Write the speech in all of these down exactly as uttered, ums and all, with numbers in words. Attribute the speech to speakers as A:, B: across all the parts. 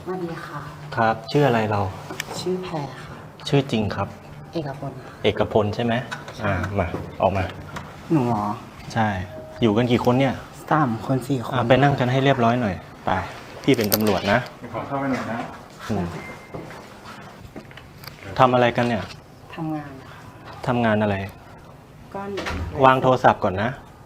A: สวัสดีค่ะ
B: ครับชื่ออะไรเรา
A: ชื่อแพรค่ะ
B: ชื่อจริงครับ
A: เอกพล
B: เอกพลใช่ไหมอ่ามาออกมา
A: หนูหรอ
B: ใช่ อยู่กันกี่คนเนี่ย
A: สามคนสี่คน
B: อ่าไปนั่งกันให้เรียบร้อยหน่อยไปพี่เป็นตำรวจนะ
C: ขอเข้าไปหน่อยนะ
B: อืมทำอะไรกันเนี่ย
A: ทำงานค่ะ
B: ทำงานอะไร
A: ก็
B: วางโทรศัพท์ก่อนนะ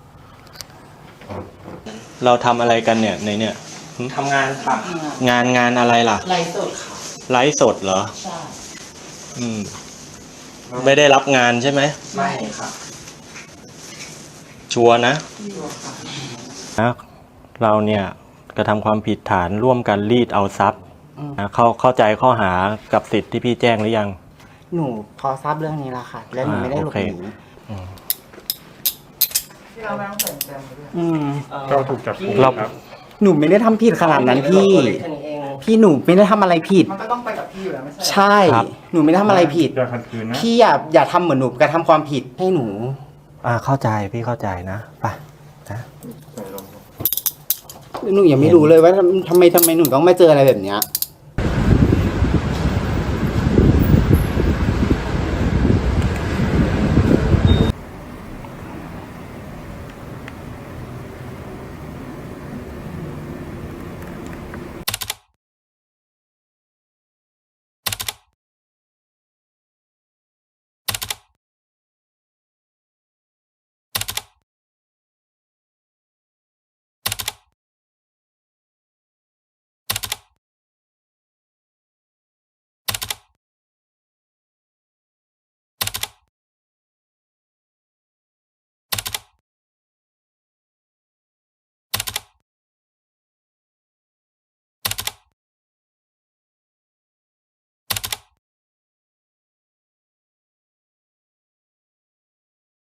B: เราทำอะไรกันเนี่ยในเนี่ยหึ
A: ทำงานค่ะ
B: งานงานอะไรล่ะ
A: ไลฟ์สดค่ะ
B: ไลฟ์สดเหรอ
A: ใช่
B: อืม ไม่ได้รับงานใช่ไหม
A: ไม่ค่ะ
B: ชัวร์นะ
A: ตัวค่ะ
B: นะเราเนี่ยกระทำความผิดฐานร่วมกันรีดเอาทรัพย์
A: อืม
B: นะเข้าเข้าใจข้อหากับสิทธิ์ที่พี่แจ้งหรือยัง
A: หนูพอทราบเรื่องนี้แล้วค่ะ และหนูไม่ได้หลบหนี
B: อืม
A: ที่เราไม่ต้องใส่แจมด้วย อืม
C: ก็ถูกจับกุม
B: เรา
C: ครับ
A: หนูไม่ได้ทำผิดขนาดนั้นพี่ พี่หนูไม่ได้ทำอะไรผิด
D: มันก็ต้องไปกับพี่อยู่แล้วไม่ใช่
A: ใช่ หนูไม่ได้ทำอะไรผิด
C: อย่าขัดขืนนะ
A: พี่อย่าอย่าทำเหมือนหนูกระทำความผิดให้หนู
B: อ่าเข้าใจพี่เข้าใจนะไปนะ
A: หนูยังไม่รู้เลยว่าทำทำไมทำไมหนูต้องมาเจออะไรแบบเนี้ย